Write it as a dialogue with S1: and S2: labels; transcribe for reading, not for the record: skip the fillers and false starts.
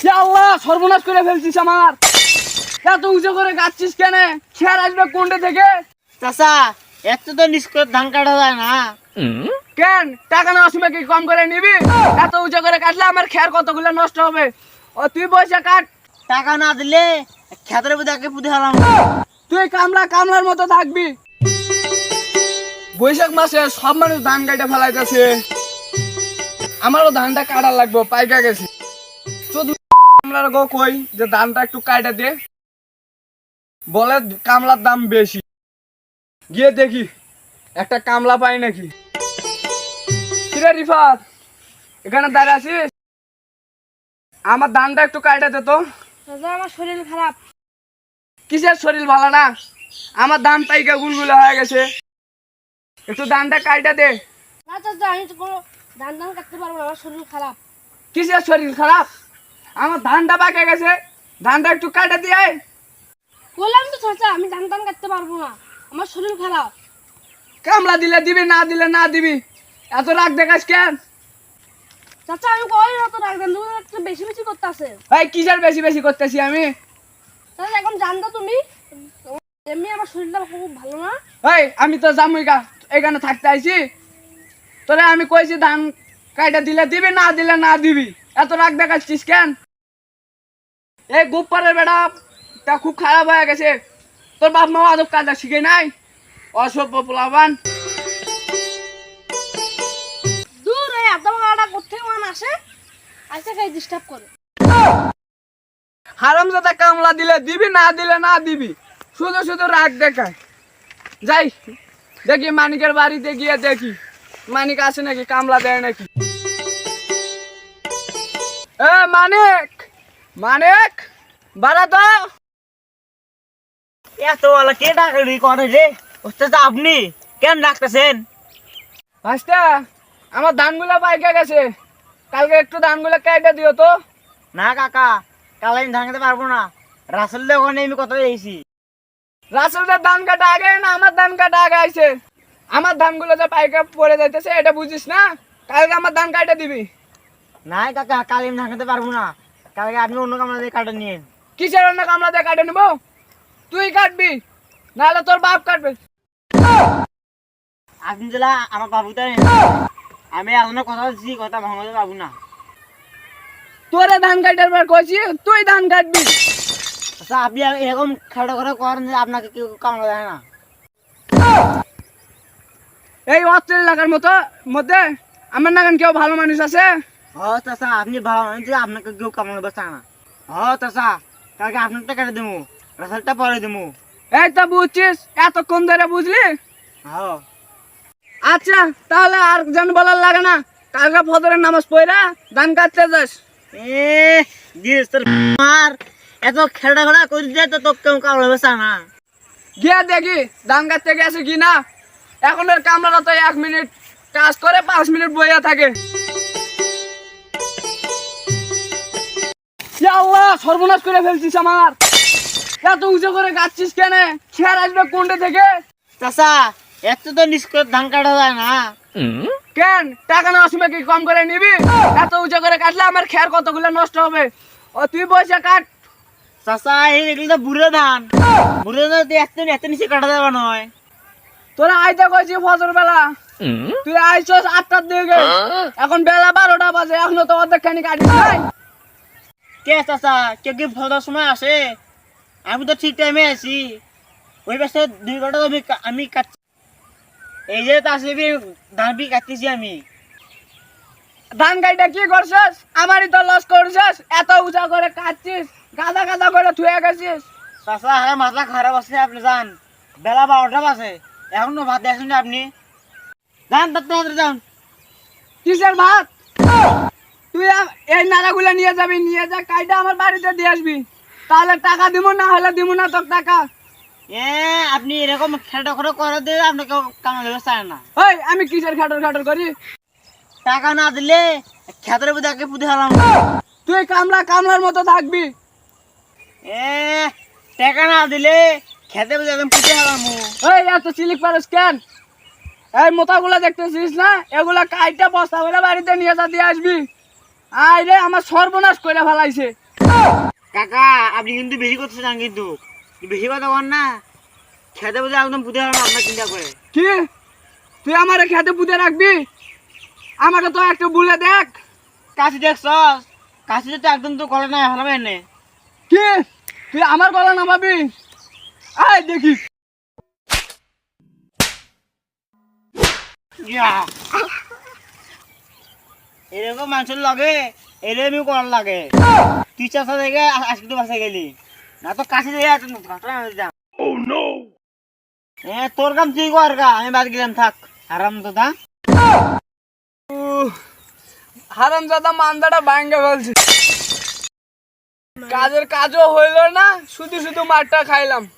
S1: আল্লাহ সর্বনাশ করে ফেলছিস আমার। এত উঁচু করে গাচ্ছিস কেন? খেয়ার আসবে কোনটা থেকে?
S2: চাচা এত তো নিষ্কর ধান কাটা যায় না।
S1: কেন টাকা নেওয়ার সময় কি কম করে নিবি? এত উঁচু করে কাটলে আমার খেয়ার কতগুলো নষ্ট হবে। ও তুই পয়সা কাট।
S2: টাকা না দিলে খেতের মধ্যে আগে পুঁতে হলাম।
S1: তুই কামলার মতো থাকবি। বৈশাখ মাসে সব মানুষ ধান কাটে ফেলাইতেছে, আমারও ধানটা কাটার লাগবে, পাইকা গেছে। শুধু কামলার গো কই যে ধানটা একটু কাটা দে, বলে কামলার দাম বেশি। গিয়ে দেখি একটা কামলা পাই নাকি। কিরে রিফাত, এখানে দাঁড়িয়ে আছিস? আমার ধানটা একটু কাটা দে তো।
S3: আমার শরীর খারাপ।
S1: কিসের শরীর ভালো না? আমার ধান পাইকা গুলগুলো হয়ে গেছে, একটু ধানটা কাটা দে।
S3: না চাচা, আমি তো কোনো ধান কাটতে পারবো না, আমার শরীর খারাপ।
S1: কিসের শরীর খারাপ? আমার ধানটা পাকে গেছে, ধানটা একটু কাটা দিয়ে।
S3: বললাম তো চাচা, আমি ধান কাটতে পারবো না, আমার শরীর খারাপ।
S1: কামলা দিলে দিবি, না দিলে না দিবি, এত রাগ দেখাস কেন?
S3: চাচা আমি কই অত রাখবেন, তুমি একটু বেশি বেশি করতেছে।
S1: এই কিসের বেশি বেশি করতেছি আমি?
S3: চাচা এখন জানতো তুমি, এমনি আমার শরীরটা খুব ভালো না।
S1: এই আমি তো জামুইকা এখানে থাকতে আইছি, তোরে আমি কইছি ধান কাটা দিলে দিবি, না দিলে না দিবি, এত রাগ দেখাচ্ছিস কেন? এই গোপারের বেড়া তা খুব খারাপ হয়ে গেছে। তোর বাপ মা আদব কাজটা শিখে নাই, অসভ্য পোলাবান।
S3: দূর এই আদা মাটা কোথেকে মান আসে, আইসা খাই ডিস্টার্ব করে।
S1: হারামজাদা কামলা দিলে দিবি, না দিলে না দিবি, শুধু শুধু রাগ দেখায়। যাই দেখি মানিকের বাড়িতে গিয়ে দেখি মানিক আছে নাকি, কামলা দেয় নাকি। এ মানিক, মানিক বাড়া তো।
S2: এত বলা কে ডাকলি করে রে? ওস্তাদ আপনি কেন ডাকতেছেন?
S1: ভাস্তা, আমার ধানগুলো পাইকে গেছে, কালকে একটু ধানগুলো কেটে দিও তো।
S2: না কাকা, কাল আমি ধান খেতে পারবো না। রাসেল ওখানে আমি কথা দিয়েছি।
S1: রাসেলদের ধান কাটা আগে না আমার ধান কাটা আগে আইছে? আমার ধানগুলো যে পাইকে পড়ে যাইতেছে এটা বুঝিস না? কালকে আমার ধান কাটে দিবি।
S2: না কাকা, কাল আমি ধান খেতে পারবো না। কালকে আপনি অন্য কামলা দিয়ে কাটা নিয়েন।
S1: কিসের অন্য কামলা দিয়ে কাটে নেবো? তুই কাটবি নাহলে তোর বাপ কাটবে।
S2: আপনি যেলা আমার বাবু তাই, আমি আপনার কথা দিচ্ছি, কথা ভাঙতে পারবো না।
S1: তোরে ধান কাটার পর কইছি তুই ধান কাটবি।
S2: আচ্ছা আপনি এরকম খাটো করে করেন যে আপনাকে কেউ কামলা দেয় না।
S1: এই অস্ট্রেল এলাকার মধ্যে আমার নাগান কেউ ভালো মানুষ আছে?
S2: চাচা আপনি ভালো মানুষ যে আপনাকে কেউ কামলা দেবে না। চাচা কালকে আপনার টাকা দেবো, রাসেলটা পরে দেবো।
S1: এই তো বুঝছিস, এতক্ষণ ধরে বুঝলি।
S2: হ্যাঁ
S1: আচ্ছা তাহলে আর যেন বলার লাগে না, কালকে ফজরের নামাজ পড়া ধান কাটতে যাস।
S2: মার এত খেলা খেলা করে যায় তো তোকে কেউ কামলা দেবে না।
S1: গিয়ে দেখি ধান কাটতে গেছে কি না। এখন এর কামলাটা তো 1 মিনিট কাজ করে 5 মিনিট বইয়া থাকে। ইয়া আল্লাহ সর্বনাশ করে ফেলছিস আমার। এত উঁচু করে গাচ্ছিস কেন? খেয়ার আসবে কোনটা থেকে?
S2: চাচা এত তো নিষ্কর ধান কাটা যায় না।
S1: কেন টাকা নেওয়ার সময় কি কম করে নিবি? এত উঁচু করে কাটলে আমার খেয়ার কতগুলো নষ্ট হবে। ও তুই পয়সা কাট।
S2: চাচা এগুলো তো বুড়ো ধান, বুড়ো ধান এত নিচে কাটা যাবে নয়।
S1: তোরা আইতে কইছি ফজর বেলা, তুই আইছস 8টার দিকে, এখন বেলা 12টা বাজে, এখনো তো অর্ধেক খানি কাটিস নাই।
S2: কে চাচা কেউ কি ফলার সময় আসে? আমি তো ঠিক টাইমে আছি। ওই পাশে 2 ঘন্টা আমি কাটছি। এই যে তা আসলে ধান বি কাটতেছি আমি।
S1: ধান কাইটা কি করছিস? আমারই তো লস করছিস, এত উঁচা করে কাটছিস, গাদা গাদা করে থুয়ে গেছিস।
S2: চাচা হ্যাঁ মাথা খারাপ আছে, আপনি যান, বেলা 12টা বাজে, এখনো ভাত দেখছেন আপনি? যান তাড়াতাড়ি যান।
S1: কিসের ভাত? তুই এই নাড়াগুলো নিয়ে যাবি, নিয়ে যা কাইটা আমার বাড়িতে দিয়ে আসবি, তাহলে টাকা দিব, না হলে দিব না তোর টাকা।
S2: আপনি এরকম খেটা করে করে দিয়ে আপনাকে কামড় দেবে চায় না।
S1: ওই আমি কিসের খাটর খাটর করি?
S2: টাকা না দিলে খেতের মধ্যে আগে পুঁতে হলাম।
S1: তুই কামলার মতো থাকবি।
S2: টাকা না দিলে খেতে মধ্যে একদম পুঁতে হলাম।
S1: ওই এত সিলিক পারিস কেন? এই মোতাগুলো দেখতেছিস না, এগুলা কাইটা বস্তা করে বাড়িতে নিয়ে যা দিয়ে আসবি। আয় রে আমার সর্বনাশ করে ফেলাইছে।
S2: কাকা আপনি কিন্তু বেশি করতে চান, কিন্তু বেশি কথা বল না, খেতে বুঝে একদম পুঁতে হবে আপনার চিন্তা করে।
S1: কি তুই আমারে খেতে পুঁতে রাখবি? আমাকে তো একটু বলে দেখ।
S2: কাশি দেখছ, কাশিতে তো একদম তো গলা নাই হারাবে এনে।
S1: কি তুই আমার গলা নামাবি? আয় দেখিস।
S2: এরকম মানুষের লাগে এরকমই করার লাগে। তুই চাষা থেকে আজকে তো বাসা গেলি না, তো কাশি দিয়ে ঘটনা হয়ে যা। তোর কাম তুই কর গা, আমি বাদ গেলাম, থাক আরাম তো থা।
S1: হারামজাদা মান্দাটা ভাঙ্গে ফেলছে, কাজের কাজও হইল না, শুধু শুধু মারটা খাইলাম।